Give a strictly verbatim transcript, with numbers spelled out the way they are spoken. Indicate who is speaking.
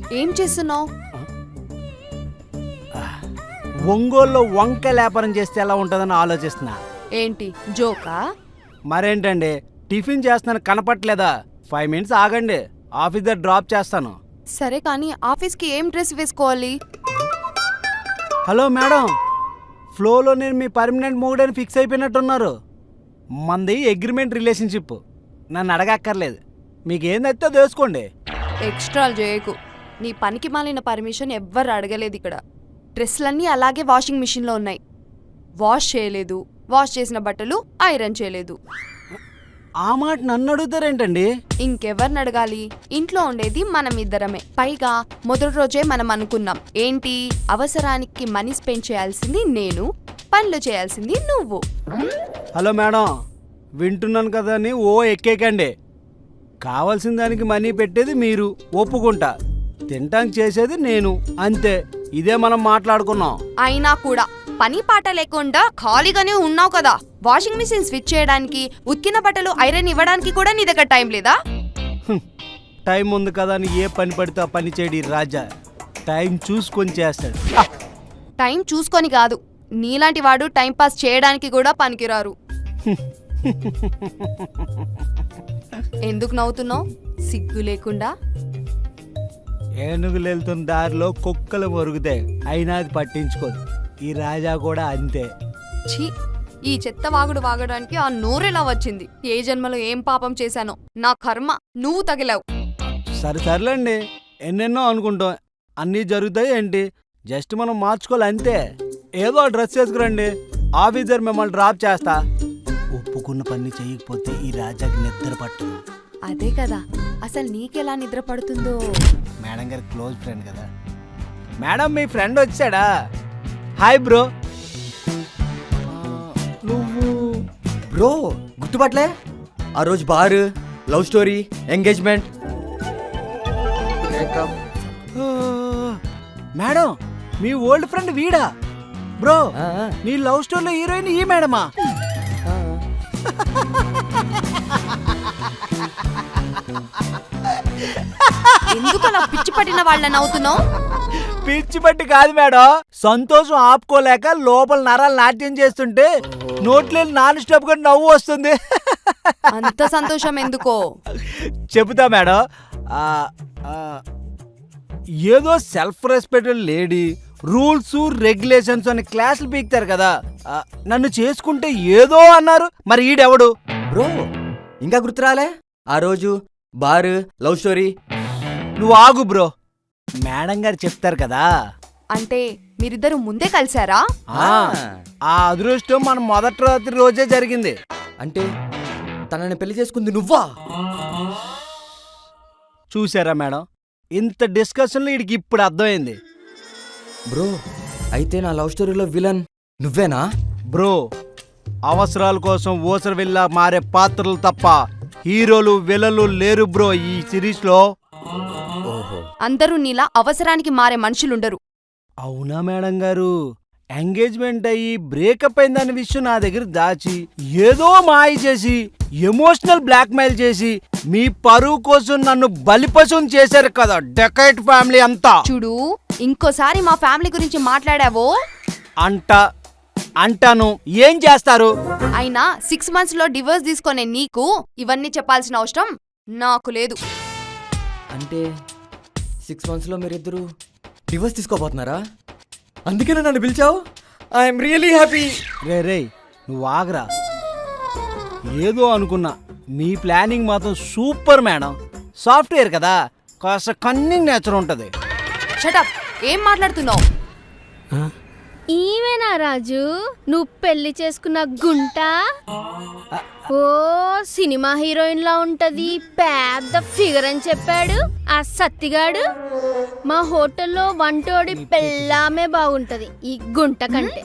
Speaker 1: ఏం చేస్తున్నావు?
Speaker 2: ఒంగోలులో వంకాయ వ్యాపారం చేస్తే ఎలా ఉంటుందని ఆలోచిస్తున్నా.
Speaker 1: ఏంటి జోకా?
Speaker 2: మరేంటండి, టిఫిన్ చేస్తున్నాను కనపట్లేదా? ఫైవ్ మినిట్స్ ఆగండి, ఆఫీస్ దగ్గర డ్రాప్ చేస్తాను.
Speaker 1: సరే కానీ ఆఫీస్కి ఏం డ్రెస్ వేసుకోవాలి?
Speaker 2: హలో మేడం, ఫ్లోలో నేను మీ పర్మనెంట్ మూడని ఫిక్స్ అయిపోయినట్టున్నారు. మంది అగ్రిమెంట్ రిలేషన్షిప్, నన్ను అడగక్కర్లేదు. మీకు ఏం నచ్చితే వేసుకోండి.
Speaker 1: ఎక్స్ట్రాలు చేయకు. నీ పనికి మాలిన పర్మిషన్ ఎవ్వరు అడగలేదు ఇక్కడ. డ్రెస్లన్నీ అలాగే వాషింగ్ మిషన్లో ఉన్నాయి. వాష్ చేయలేదు, వాష్ చేసిన బట్టలు ఐరన్ చేయలేదు.
Speaker 2: ఆ మాట నన్ను అడుగుతారేంటండి?
Speaker 1: ఇంకెవరిని అడగాలి? ఇంట్లో ఉండేది మనం ఇద్దరమే. పైగా మొదటి రోజే మనం అనుకున్నాం ఏంటి, అవసరానికి మనీ స్పెండ్ చేయాల్సింది నేను, పనులు చేయాల్సింది నువ్వు.
Speaker 2: హలో మేడం, వింటున్నాను కదా అని ఓ ఎక్కేకండి. కావాల్సిన దానికి మనీ పెట్టేది మీరు, ఒప్పుకుంటా. తింటానికి చేసేది నేను, అంతే. ఇదే మనం మాట్లాడుకున్నాం.
Speaker 1: అయినా కూడా పని పాట లేకుండా ఖాళీగానే ఉన్నావు కదా. వాషింగ్ మిషన్ స్విచ్ చేయడానికి, ఉతికిన బట్టలు ఐరన్ ఇవ్వడానికి కూడా నీ దగ్గర టైం లేదా?
Speaker 2: టైం ఉంది కదా అని ఏ పని పడితే ఆ పని చేయడి రాజా. టైం చూసుకొని చేస్తాడు.
Speaker 1: టైం చూసుకొని కాదు, నీలాంటి వాడు టైం పాస్ చేయడానికి కూడా పనికిరారు. ఎందుకు నవ్వుతున్నావు? సిగ్గు లేకుండా.
Speaker 2: ఏనుగులు వెళ్తున్న దారిలో కుక్కలు మొరుగుతాయి, అయినా అది పట్టించుకోదు. ఈ రాజా కూడా అంతే.
Speaker 1: ఛీ, ఈ చెత్త వాగుడు వాగడానికి ఆ నోరెలా వచ్చింది? ఏ జన్మలో ఏం పాపం చేశానో, నా కర్మ, నువ్వు తగిలావు.
Speaker 2: సరే సర్లేండి, ఎన్నెన్నో అనుకుంటాం, అన్నీ జరుగుతాయి ఏంటి? జస్ట్ మనం మార్చుకోవాలి అంతే. ఏదో డ్రెస్ వేసుకురండి, ఆఫీసర్ మిమ్మల్ని డ్రాప్ చేస్తా. ఒప్పుకున్న పని చేయకపోతే ఈ రాజాకి నిద్ర పట్టదు.
Speaker 1: అదే కదా, అసలు నీకెలా నిద్ర పడుతుందో.
Speaker 2: మేడం గారి క్లోజ్ ఫ్రెండ్ కదా. మేడం, మీ ఫ్రెండ్ వచ్చాడా? Hi bro. నువ్వు
Speaker 3: బ్రో గుర్తుపట్లే? ఆ రోజు bar, love story, engagement,
Speaker 2: madam మీ ఓల్డ్ ఫ్రెండ్ వీడా? బ్రో, నీ లవ్ స్టోరీలో హీరోయిన్ ఈ మేడమా?
Speaker 1: ఎందుకు అలా పిచ్చి పట్టిన వాళ్ళని అవుతున్నావు?
Speaker 2: పిచ్చి పట్టి కాదు మేడం, సంతోషం ఆపుకోలేక లోపల నరాలు నాట్యం చేస్తుంటే నోట్లో నాన్ స్టాప్ గా నవ్వు వస్తుంది.
Speaker 1: అంత సంతోషం ఎందుకో
Speaker 2: చెబుతా మేడం. ఏదో self respected lady, rules regulations అని క్లాసులు పీకుతారు కదా, నన్ను చేసుకుంటే ఏదో అన్నారు. మరి ఈడెవడు?
Speaker 3: బ్రో ఇంకా గుర్తురాలే? ఆ రోజు బార్, లవ్ స్టోరీ.
Speaker 2: నువ్వు ఆగు బ్రో, మేడం గారు చెప్తారు కదా.
Speaker 1: అంటే మీరిద్దరు ముందే కలిసారా?
Speaker 2: ఆ అదృష్టం మన మొదటి రాత్రి రోజే జరిగింది.
Speaker 3: అంటే తనని పెళ్లి చేసుకుంది నువ్వా?
Speaker 2: చూసారా మేడం, ఇంత డిస్కషన్లో వీడికి ఇప్పుడు అర్థమైంది.
Speaker 3: బ్రో అయితే నా లవ్ స్టోరీలో విలన్ నువ్వేనా?
Speaker 2: బ్రో, అవసరాల కోసం ఓసర వెళ్ళా మారే పాత్రలు తప్ప హీరోలు విలన్లు లేరు బ్రో ఈ సిరీస్ లో.
Speaker 1: అందరూ నీలా అవసరానికి మారే మనుషులుండరు.
Speaker 2: అవునా మేడం గారు? ఎంగేజ్మెంట్ అయ్యి బ్రేకప్ అయిందన్న విషయం నా దగ్గర దాచి ఏదో మాయ చేసి ఎమోషనల్ బ్లాక్మెయిల్ చేసి మీ పరువు కోసం నన్ను బలిపశం చేశారు కదా డెకైట్ ఫ్యామిలీ అంతా.
Speaker 1: చూడు, ఇంకోసారి మా ఫ్యామిలీ గురించి మాట్లాడావో
Speaker 2: అంట అంటాను. ఏం చేస్తారు?
Speaker 1: అయినా సిక్స్ మంత్స్ లో డివోర్స్ తీసుకునే నీకు ఇవన్నీ చెప్పాల్సిన అవసరం నాకు లేదు.
Speaker 3: అంటే సిక్స్ మంత్స్ లో మీరిద్దరు డివోర్స్ తీసుకోబోతున్నారా? అందుకేనా నన్ను పిలిచావు? I'm really happy.
Speaker 2: రే రే నువ్వు ఆగరా. ఏదో అనుకున్నా, మీ ప్లానింగ్ మాత్రం సూపర్ మేడం. సాఫ్ట్వేర్ కదా, కాస్త కన్నింగ్ నేచర్ ఉంటుంది.
Speaker 1: షటప్, ఏం మాట్లాడుతున్నావు?
Speaker 4: ఈమెనా రాజు నువ్వు పెళ్లి చేసుకున్న గుంట? ఓ సినిమా హీరోయిన్ లా ఉంటది, పెద్ద ఫిగర్ అని చెప్పాడు ఆ సత్తిగాడు. మా హోటల్లో వంటోడి పెళ్ళామే బాగుంటది ఈ గుంట కంటే.